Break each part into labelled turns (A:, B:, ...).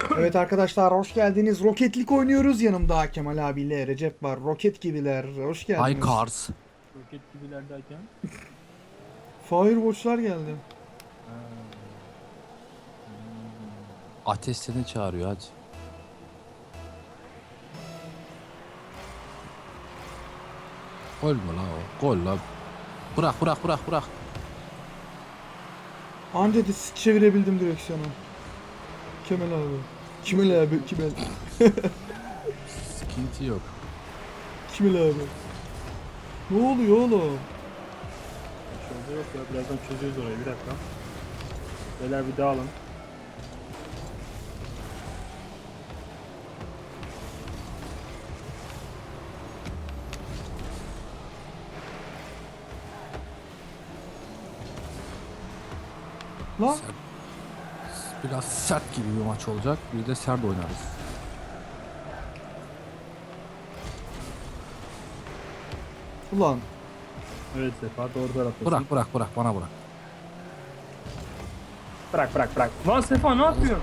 A: Evet arkadaşlar hoş geldiniz. Roketlik oynuyoruz. Yanımda Kemal abiyle Recep var. Roket gibiler. Hoş
B: Hi
A: geldiniz.
B: Cars.
C: Roket gibiler derken.
A: Firewatch'lar geldi.
C: Ha. Hmm.
B: Ateş seni çağırıyor hadi. Gol mü la o? Gol la. Bırak.
A: Anca çevirebildim direksiyonu. Kemal abi. Kemal.
B: Sıkıntı yok.
A: Kemal abi. Ne oluyor oğlum?
C: Şurada yok ya, birazdan çözüyoruz orayı, bir dakika. Beyler bir dağılın.
A: Lan
B: Biraz sert gibi bir maç olacak. Bir de sert oynarız.
A: ulan.
C: Evet Sefa, doğru taraftasın.
B: Bırak bana bırak.
C: Bırak. Lan Sefa ne yapıyorsun?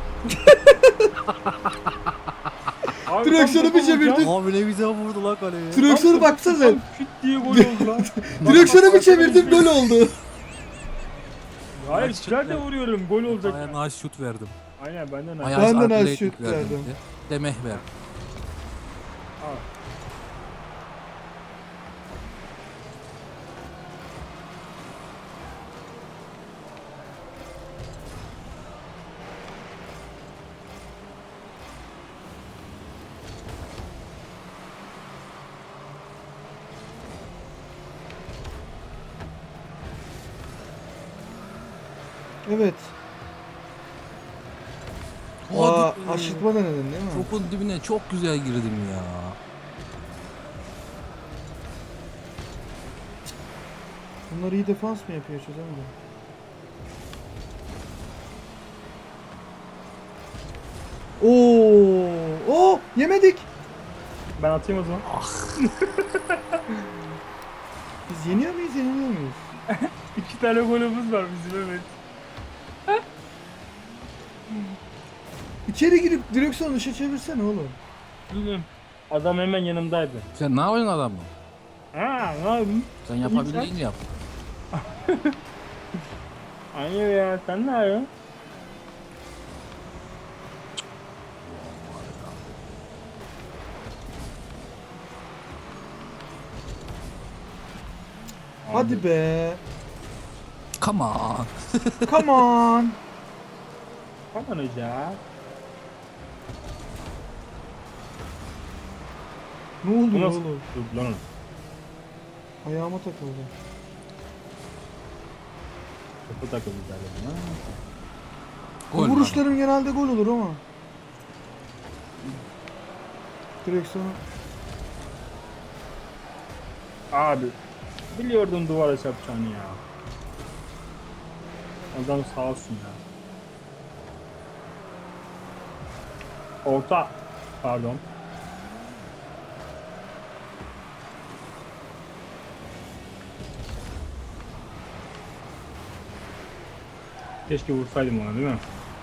C: Abi,
A: Direksiyonu
C: tam
A: bir
C: topa vuracağım.
A: çevirdim.
B: Abi ne güzel vurdu lan kaleye.
A: Direksiyonu
C: Tam
A: baksana
C: topa
A: sen.
C: Küt diye gol oldu lan.
A: Direksiyonu bir
C: Bak,
A: çevirdim gol oldu.
C: Hayır,
B: Nice
C: güzel de
B: şut ver.
C: vuruyorum, gol olacak.
B: Ayağına şut verdim.
C: Aynen, benden aşağı.
B: Ayağına
A: Ben de nice
B: atletik
A: şut
B: verdim
A: verdim.
B: de meh ver.
C: Al.
A: Evet. Aa,
B: Hadi be.
A: aşırtma denedin değil mi?
B: Topun dibine çok güzel girdim ya.
A: Bunlar iyi defans mı yapıyor çözemedim. Oo, yemedik.
C: Ben atayım o zaman.
A: Biz yeniyor muyuz, yeniliyor muyuz?
C: 2 tane golümüz var bizim, evet.
A: İçeri girip direksiyonu dışa çevirsene oğlum.
C: Adam hemen yanımdaydı.
B: Sen ne yapıyorsun adamla?
C: Ha, ne yapayım?
B: Sen yapabildiğini yap.
C: Hayır ya, sen ne yapıyorsun?
A: Hadi be.
B: Come on.
A: Come on.
C: Aman hoca.
A: Ne oldu
C: Bu
A: ne
C: nasıl?
A: oğlum?
C: Dur lan.
A: Ayağıma takıldı.
C: Topu takıldı zaten.
A: Bu
B: Gol lan.
A: vuruşlarım genelde gol olur ama. Direksiyonu.
C: Abi. Biliyordum duvara çarpacağını ya. Adam sağ olsun ya. Orta. Pardon. Keşke vursaydım ona, değil mi?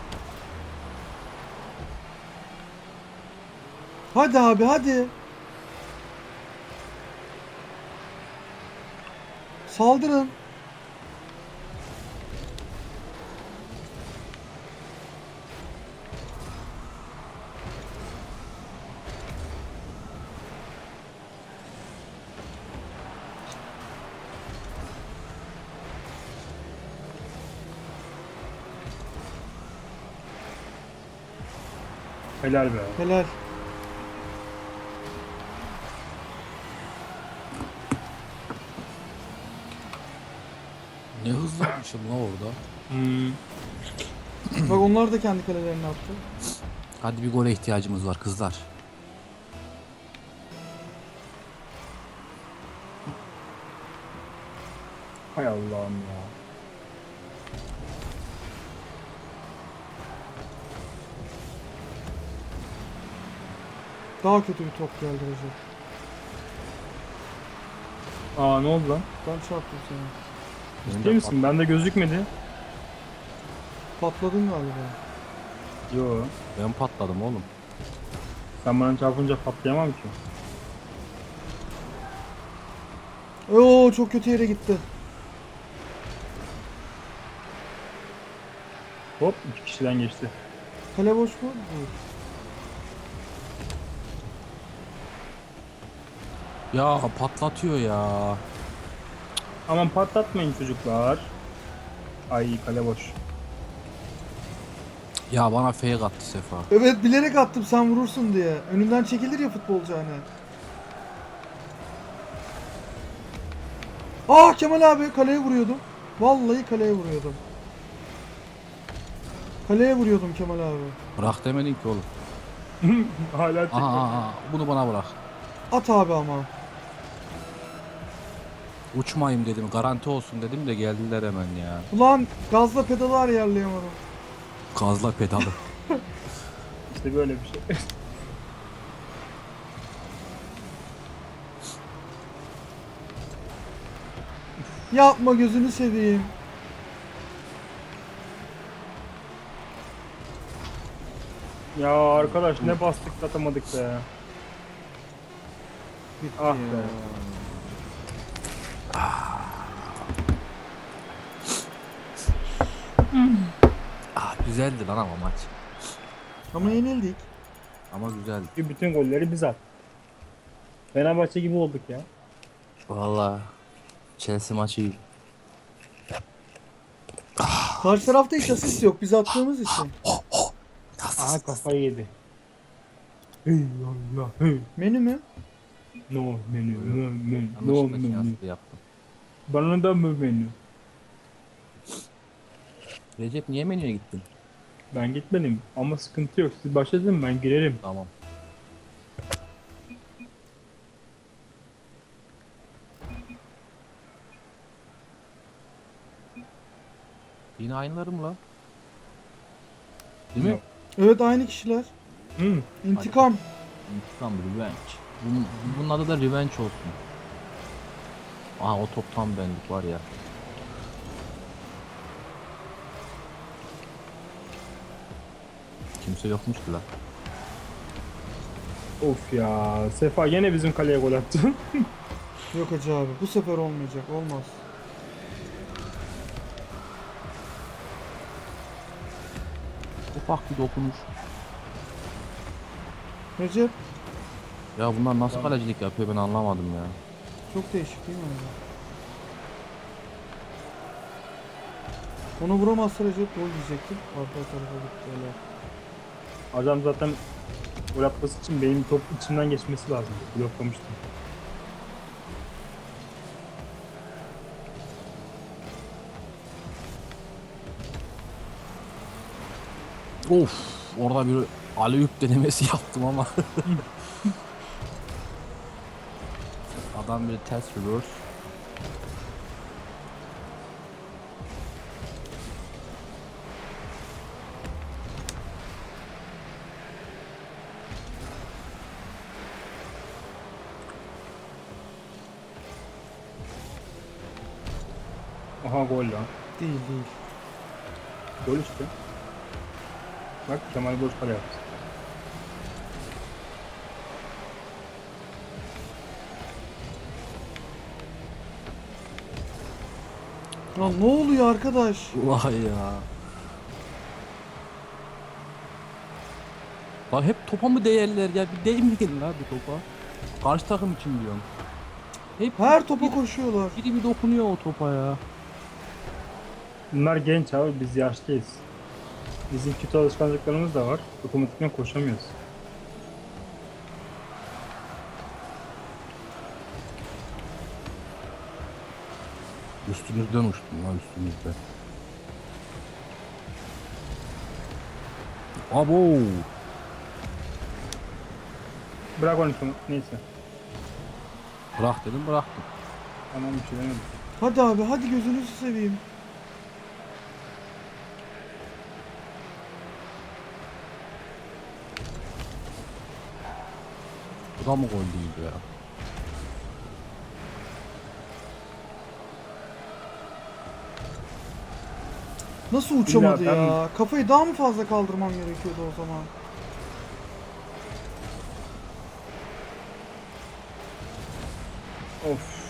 A: Hadi abi hadi. Saldırın.
C: Helal be.
A: Helal.
B: Ne hızlanmışım la orada.
A: Bak onlar da kendi kalelerini attı.
B: Hadi bir gole ihtiyacımız var kızlar.
C: Hay Allah'ım ya.
A: Daha kötü bir top geldi Recep.
C: Aa, ne oldu lan?
A: Ben çarptım seni.
C: Ciddi misin? Bende gözükmedi.
A: Patladın galiba.
C: Yo.
B: Ben patladım oğlum.
C: Sen bana çarpınca patlayamam ki.
A: Oo çok kötü yere gitti.
C: Hop 2 kişiden geçti.
A: Kale boş mu? Değil.
B: Ya patlatıyor ya.
C: Aman patlatmayın çocuklar. Ay kale boş.
B: Ya bana fake attı Sefa.
A: Evet bilerek attım sen vurursun diye. Önünden çekilir ya futbolcu hani. Aa Kemal abi kaleye vuruyordum. Vallahi kaleye vuruyordum. Kaleye vuruyordum Kemal abi.
B: Bırak demedin ki oğlum.
C: Hala çekiyor.
B: Aha, bunu bana bırak.
A: At abi ama.
B: Uçmayayım dedim, garanti olsun dedim de geldiler hemen ya.
A: Ulan gazla pedalı ayarlayamadım.
B: Gazla pedalı.
C: İşte böyle bir şey.
A: Yapma gözünü seveyim.
C: Ya arkadaş ne bastık atamadık be. Ah be.
B: Ah, güzeldi lan ama maç.
A: Ama yenildik.
B: Ama güzeldi.
C: Bütün golleri biz attık. Fenerbahçe gibi olduk ya.
B: Vallahi Chelsea maçı iyi.
A: Karşı tarafta hiç asist yok biz attığımız için.
C: Aha kafayı yedi. Hey Allah hey.
A: Menü mü?
C: No menü no menü no
B: Yanlışlıkla
C: menü.
B: kıyaslı yaptım.
C: Bana da mı menü?
B: Recep niye menüye gittin?
C: Ben gitmedim ama sıkıntı yok. Siz başladın ben girerim.
B: Tamam. Yine aynıları mı lan? Değil mi?
C: Yok.
A: Evet aynı kişiler.
C: Hı.
A: İntikam.
B: İntikam, revenge. Bunun adı da revenge olsun. Aha o top tam benlik var ya. Kimse yokmuş ki lan.
C: Of ya. Sefa yine bizim kaleye gol attı.
A: Yok hacı abi bu sefer olmayacak olmaz.
B: Ufak bir dokunuş.
A: Recep
B: Ya bunlar nasıl kalecilik yapıyor ben anlamadım ya.
A: çok değişik değil mi? Onu vuramazsa Recep gol diyecektim. Arka tarafa gitti öyle.
C: Adam zaten gol atması için benim top içimden geçmesi lazım. Bloklamıştım.
B: Of, orada bir alley-oop denemesi yaptım ama. Adam bir ters reverse.
C: Aha gol lan.
A: Değil değil.
C: Gol işte. Bak Kemal boş kale yaptı.
A: Lan ne oluyor arkadaş?
B: Vay ya. Lan hep topa mı değerler ya? Bir değmeyin la bir topa. Karşı takım için diyorum. Hep
A: Her topa
B: biri,
A: koşuyorlar.
B: biri bir dokunuyor o topa ya.
C: Bunlar genç abi biz yaşlıyız. Bizim kötü alışkanlıklarımız da var. Otomatikman koşamıyoruz.
B: Üstümüzden uçtum lan üstümüzden. Abo.
C: Bırak onu şunu. Neyse.
B: Bırak dedim bıraktım.
C: Tamam bir şey demedim.
A: Hadi abi hadi gözünüzü seveyim.
B: Bu da mı gol değil ya?
A: Nasıl uçamadı
C: İlla ben-
A: ya? Kafayı daha mı fazla kaldırmam gerekiyordu o zaman?
C: Of.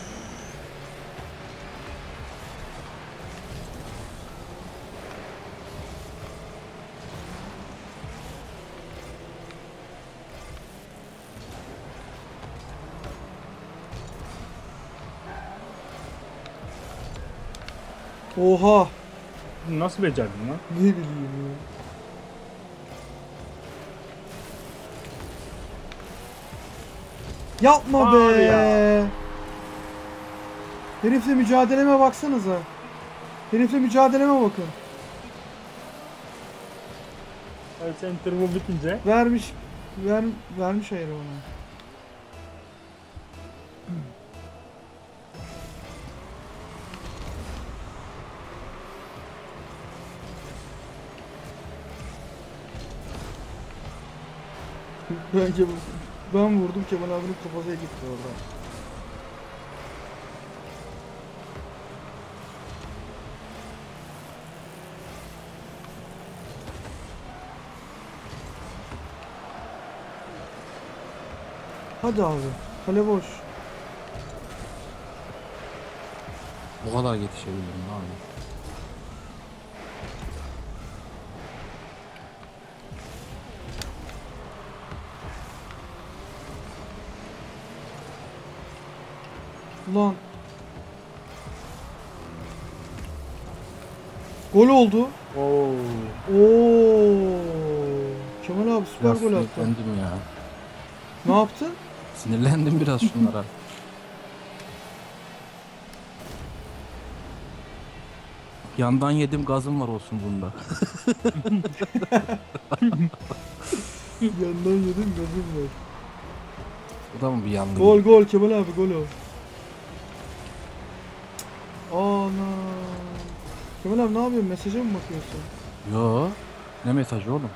A: Oha!
C: Nasıl becerdin lan?
A: Ne bileyim ya. Yapma
C: Var
A: be!
C: ya.
A: Herifle mücadeleme baksanıza. Herifle mücadeleme bakın.
C: Evet, senin turbo bitince
A: Vermiş vermiş ayarı ona. Ben vurdum, Kemal abinin kafasına gitti orada. Hadi abi. Kale boş.
B: Bu kadar yetişebildim abi.
A: Ulan. Gol oldu.
C: Oo.
A: Oo. Kemal abi süper
B: Biraz
A: gol attı.
B: sinirlendim ya.
A: Ne yaptın?
B: Sinirlendim biraz şunlara. Yandan yedim gazım var olsun bunda.
A: Yandan yedim, gözüm var.
B: Bu da mı bir yandı?
A: Gol gol Kemal abi, gol o. Ana. Kemal abi ne yapıyorsun? Mesaja mı bakıyorsun?
B: Yo. Ne mesajı oğlum?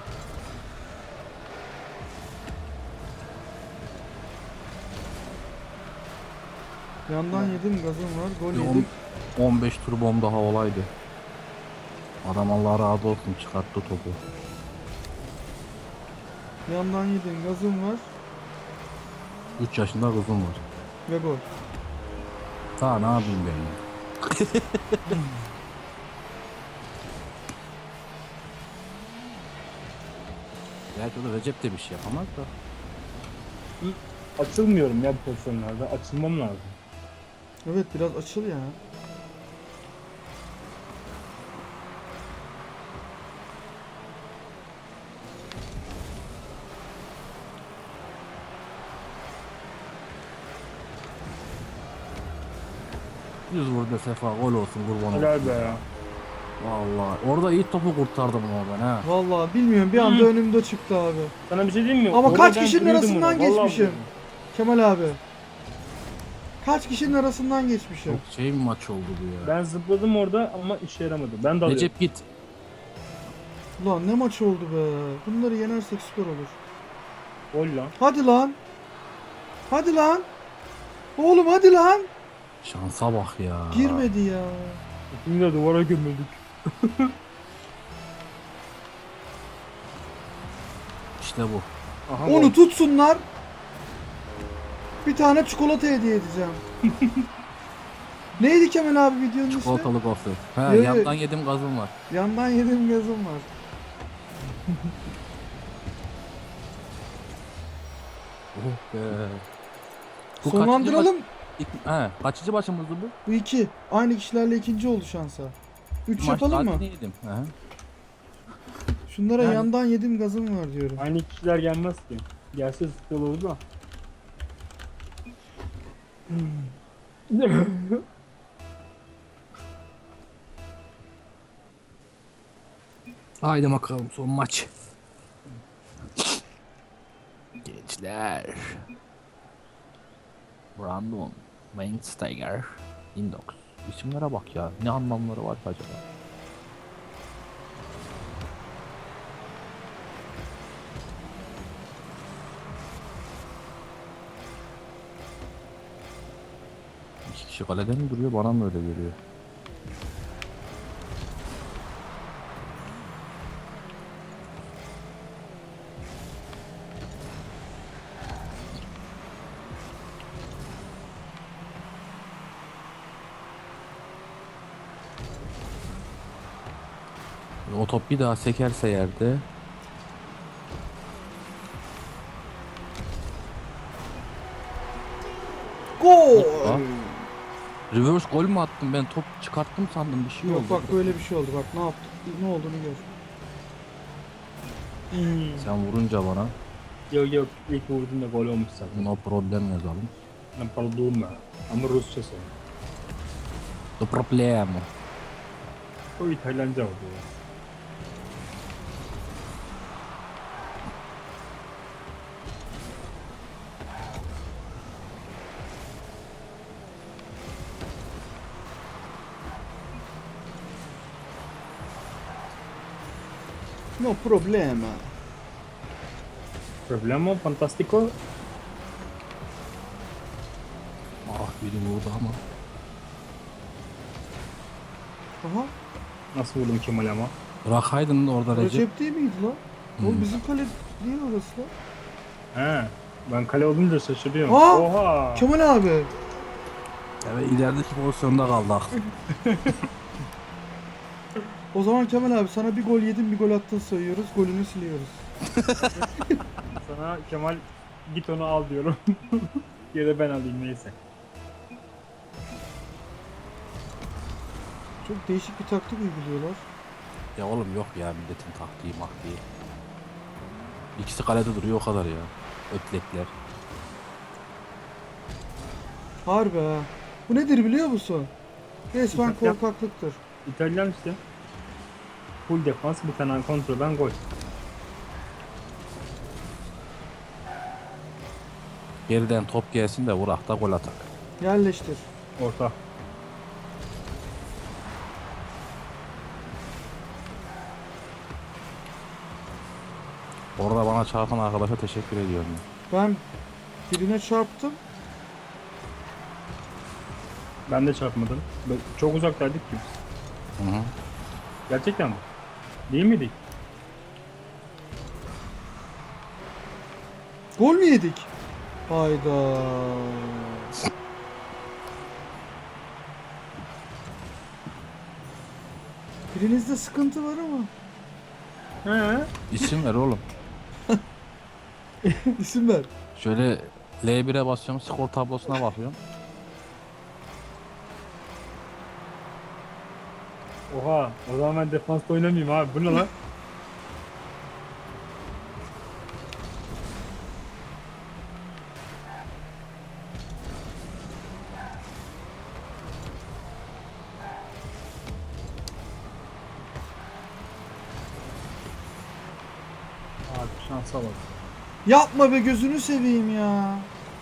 A: Yandan yedim, gazım var. Gol
B: Bir
A: yedim.
B: 15 turbom daha olaydı. Adam Allah razı olsun çıkarttı topu.
A: Yandan yedim, gazım var.
B: 3 yaşında kızım var.
A: Ve gol.
B: Daha ne yapayım ben ya? Gerçi o da Recep de bir şey yapamaz da.
C: Açılmıyorum ya bu pozisyonlarda. Açılmam lazım.
A: Evet, biraz açıl ya.
B: Yüz vur de sefa gol olsun kurban olsun.
C: Helal be ya.
B: Vallahi orada iyi topu kurtardım ama ben ha.
A: Vallahi bilmiyorum, bir anda önümde çıktı abi.
C: Sana bir şey diyeyim mi?
A: Ama
C: Orada
A: kaç
C: ben
A: kişinin
C: vuruyordum
A: arasından
C: ona, vallahi
A: geçmişim?
C: vuruyordum.
A: Kemal abi. Kaç kişinin arasından geçmişim?
B: Çok şey bir maç oldu bu ya.
C: Ben zıpladım orada ama işe yaramadı. Ben de alıyorum.
B: Recep git.
A: Ulan ne maç oldu be. Bunları yenersek süper olur.
C: Gol lan.
A: Hadi lan. Hadi lan. Oğlum hadi lan.
B: Şansa bak ya.
A: Girmedi ya.
C: İkimiz de duvara gömüldük.
B: İşte bu.
C: Aha,
A: Onu
C: gol.
A: tutsunlar. Bir tane çikolata hediye edeceğim. Neydi Kemal abi videonun ismi?
B: Çikolatalı gofret. He
A: Evet.
B: yandan yedim gazım var.
A: Yandan yedim, gazım var.
B: Oh be. Bu
A: Sonlandıralım.
B: Kaçıncı başımızdı bu?
A: Bu iki. Aynı kişilerle ikinci oldu şansa. Üç yapalım mı?
B: Maçta yedim. He.
A: Şunlara
C: Yani-
A: yandan yedim, gazım var diyorum.
C: Aynı kişiler gelmez ki. Gelse sıkı olur da.
B: Haydi bakalım son maç. Gençler. Brandon, Weinsteiger, Indox. İsimlere bak ya. Ne anlamları var ki acaba? İki kişi kalede mi duruyor? Bana mı öyle geliyor? O top bir daha sekerse yerde.
A: Gol.
B: Hoppa. Reverse gol mü attım ben? Top çıkarttım sandım, bir şey
A: Yok
B: oldu.
A: bak böyle bir şey oldu bak ne yaptık ne olduğunu gör.
B: Sen vurunca bana
C: Yok ilk vurduğunda gol olmuş zaten.
B: no problem yazalım.
C: Ben pardon ama Rusça söyle.
B: No problem.
C: O İtalyanca oldu ya.
A: No problema.
C: Problema fantastico.
B: Ah, biri vurdu ama.
A: Aha.
C: Nasıl vurdum Kemal ama?
B: Bırakaydın orada Recep.
A: Recep değil miydi lan? Oğlum
B: Hmm.
A: bizim kale değil orası lan.
C: He. Ben kale olunca şaşırıyorum.
A: Aa!
C: Oha!
A: Kemal abi.
B: Evet, ilerideki pozisyonda kaldık.
A: O zaman Kemal abi sana bir gol yedin bir gol attın sayıyoruz. Golünü siliyoruz.
C: Sana Kemal git onu al diyorum. Ya da ben alayım neyse.
A: Çok değişik bir taktik uyguluyorlar.
B: Ya oğlum yok ya, milletin taktiği maktiği. İkisi kalede duruyor, o kadar ya. Ötlekler.
A: Harbi ha. Bu nedir biliyor musun? Resmen
C: Yap, yap.
A: korkaklıktır.
C: İtalyan işte. Full defans bir tane kontrolden gol.
B: Geriden top gelsin de vurak da gol atak.
A: Yerleştir.
C: Orta.
B: Orada bana çarpan arkadaşa teşekkür ediyorum.
A: Ben birine çarptım.
C: Ben de çarpmadım. Çok uzaktaydık ki biz.
B: Hı hı.
C: Gerçekten mi? Değil miydik?
A: Gol mü yedik? Hayda. Birinizde sıkıntı var ama.
C: He.
B: İsim ver oğlum.
A: İsim ver.
B: Şöyle L1'e basıyorum, skor tablosuna bakıyorum.
C: Oha. O zaman ben defansta oynamayayım abi. Bu ne lan? Abi şansa bak.
A: Yapma be gözünü seveyim ya.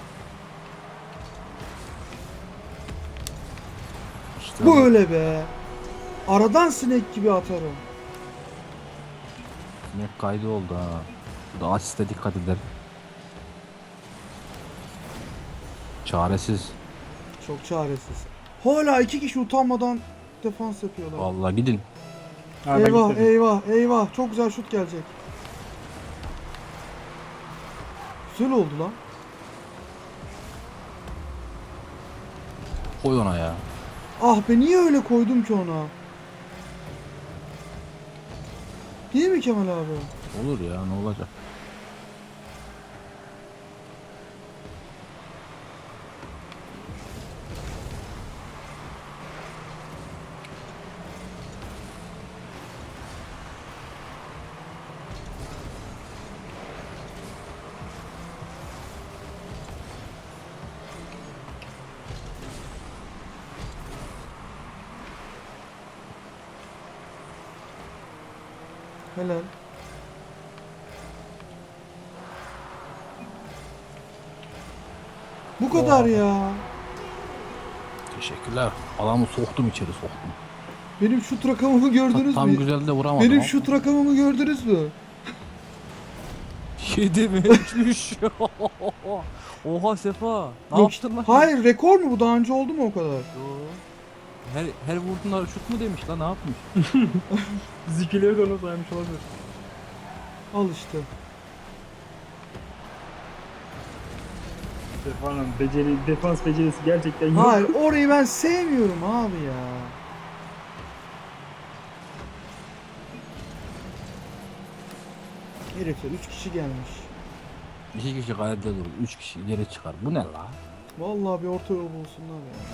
B: İşte
A: Bu öyle be. Aradan sinek gibi atarım.
B: sinek kaydı oldu ha. Bu da asiste dikkat eder. Çaresiz.
A: Çok çaresiz. Hala iki kişi utanmadan defans yapıyorlar.
B: Vallahi gidin.
C: Ha, ben
A: Eyvah
C: gitmedim.
A: eyvah eyvah. Çok güzel şut gelecek. Güzel oldu lan.
B: Koy ona ya.
A: Ah be niye öyle koydum ki ona? Değil mi Kemal abi?
B: Olur ya, ne olacak?
A: Helal. Bu kadar ya.
B: Teşekkürler. Adamı soktum içeri, soktum.
A: Benim şut rakamımı gördünüz
B: Tam
A: mü?
B: güzel de vuramadım.
A: Benim
B: ama.
A: şut rakamımı gördünüz mü?
B: 7 mi? 3. Oha Sefa. Ne
A: Yok,
B: yaptın lan?
A: hayır rekor mu bu? Daha önce oldu mu o kadar?
B: Yo. Her vurduğunda şut mu demiş lan, ne yapmış?
C: Zikileri de ona saymış olabilir.
A: Al işte.
C: Defanın defans becerisi gerçekten yok.
A: Hayır orayı ben sevmiyorum abi ya. Herifler 3 kişi gelmiş.
B: 2 kişi kalede durur, 3 kişi ileri çıkar. Bu ne la?
A: Vallahi bir orta yol bulsunlar ya.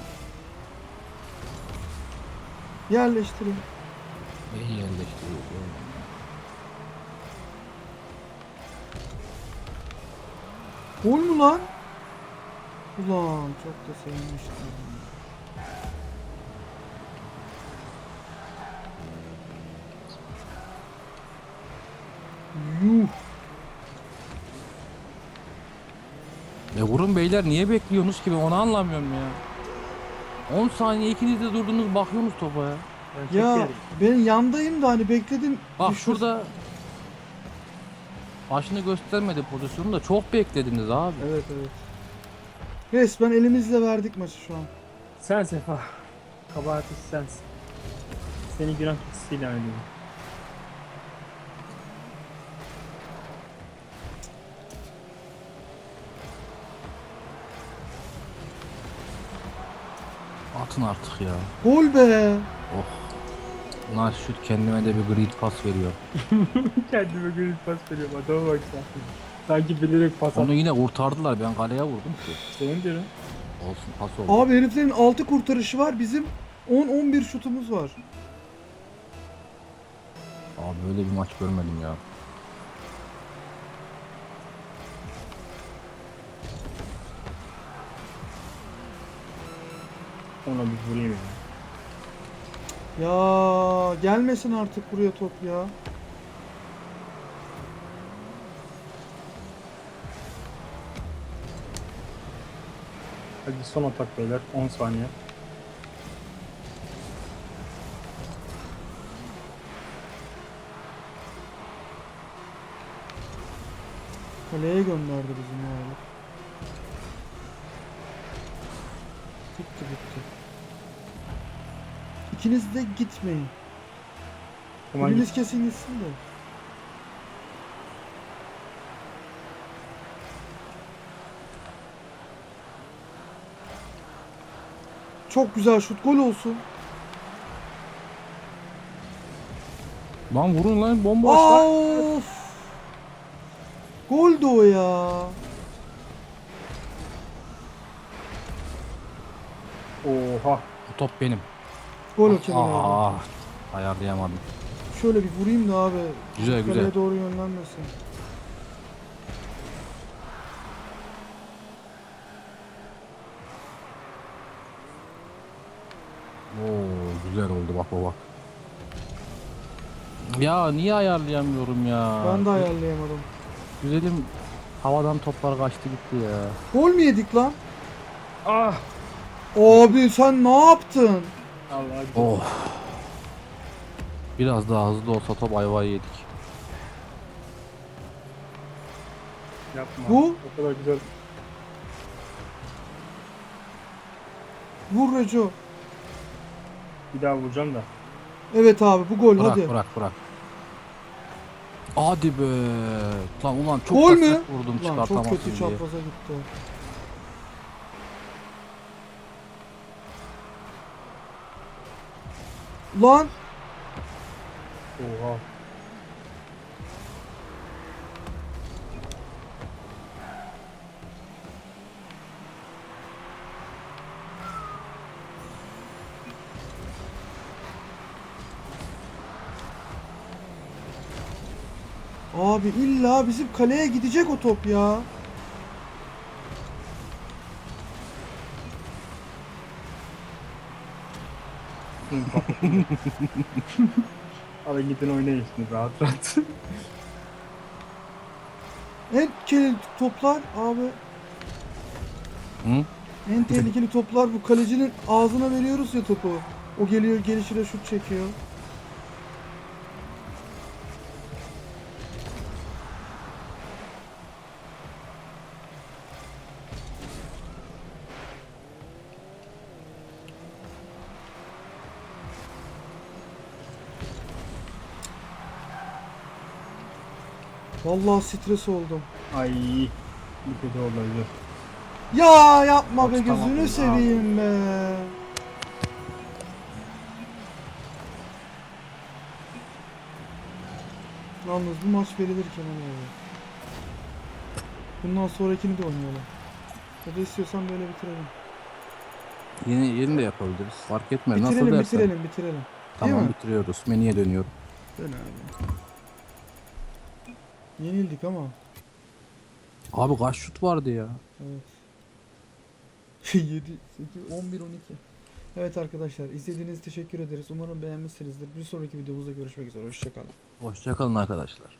A: Yerleştirin.
B: İyi yerleştiriyor.
A: Gol mü lan? Ulan çok da sevinmiştim. Yuh.
B: Vurun beyler, niye bekliyorsunuz ki, ben onu anlamıyorum ya. 10 saniye ikiniz de durdunuz bakıyorsunuz topa ya.
C: Ben çok
A: Ya
C: geriyim.
A: ben yandayım da hani bekledim.
B: Bak
A: düşür-
B: şurada başını göstermedi pozisyonu da çok beklediniz abi.
A: Evet evet. Resmen elimizle verdik maçı şu an.
C: Sen Sefa. Kabahati sensin. Seni günah keçisi ilan ediyorum.
B: Atın artık ya.
A: Gol be.
B: Oh. Bunlar şut, kendime de bir grid pas veriyor.
C: Kendime göre pas veriyorum. Adama bak sen. Sanki bilerek pas
B: Onu
C: attı.
B: yine kurtardılar, ben kaleye vurdum ki.
C: Senin diyorum.
B: Olsun, pas oldu.
A: Abi heriflerin 6 kurtarışı var. Bizim 10-11 şutumuz var.
B: Abi böyle bir maç görmedim ya.
C: Ona bir vurayım ya.
A: Ya gelmesin artık buraya top ya.
C: Hadi son atak beyler. 10 saniye.
A: Kaleye gönderdi bizim ya herif. Bitti bitti. İkiniz de gitmeyin.
C: Tamam
A: Biriniz kesin gitsin de. Çok güzel şut, gol olsun.
B: Lan vurun lan, bomba aşağı.
A: Of! Gol de o ya.
C: Oha.
B: Bu top benim.
A: Gol o Kemal abi.
B: Aa, ayarlayamadım.
A: Şöyle bir vurayım da abi.
B: Güzel,
A: Kaleye
B: güzel.
A: doğru yönlenmesin.
B: Oo, güzel oldu, bak bak. Ya niye ayarlayamıyorum ya?
A: Ben de ayarlayamadım.
B: Güzelim, havadan toplar kaçtı gitti ya.
A: Gol mü yedik lan?
C: Ah.
A: Abi sen ne yaptın?
C: Allah
B: Oh. Biraz daha hızlı olsa top ayvayı yedik.
C: yapma.
A: Bu?
C: O kadar güzel.
A: Vur Reco.
C: Bir daha vuracağım da.
A: Evet abi bu gol
B: Bırak
A: hadi.
B: bırak bırak. Hadi be. Lan ulan çok
A: Gol
B: da
A: mü?
B: sert vurdum,
A: Lan çok
B: çıkartamazsın
A: kötü
B: diye.
A: çapraza gitti. Lan
C: Oha.
A: abi illa bizim kaleye gidecek o top ya.
C: Hadi gidin oynayın şimdi rahat rahat.
A: En tehlikeli toplar abi.
B: Hı?
A: En tehlikeli toplar bu kalecinin ağzına veriyoruz ya topu. O geliyor gelişine şut çekiyor. Vallahi stres oldum.
C: Ay. Bu kötü olabilir.
A: Ya yapma be
B: Bak, tamam
A: gözünü
B: oldu
A: seveyim be. Yalnız bu maç verilir Kemal abi. Bundan sonrakini de oynayalım. Ya da istiyorsan böyle bitirelim.
B: Yeni de yapabiliriz. Fark etmez. Nasıl
A: Bitirelim,
B: dersen.
A: bitirelim. Değil
B: Tamam,
A: mi?
B: bitiriyoruz. Menüye dönüyorum.
A: Dön abi. Yenildik ama.
B: Abi kaç şut vardı ya?
A: Evet. 7, 8, 11, 12. Evet arkadaşlar, izlediğiniz için teşekkür ederiz. Umarım beğenmişsinizdir. Bir sonraki videomuzda görüşmek üzere. Hoşçakalın.
B: Hoşça kalın arkadaşlar.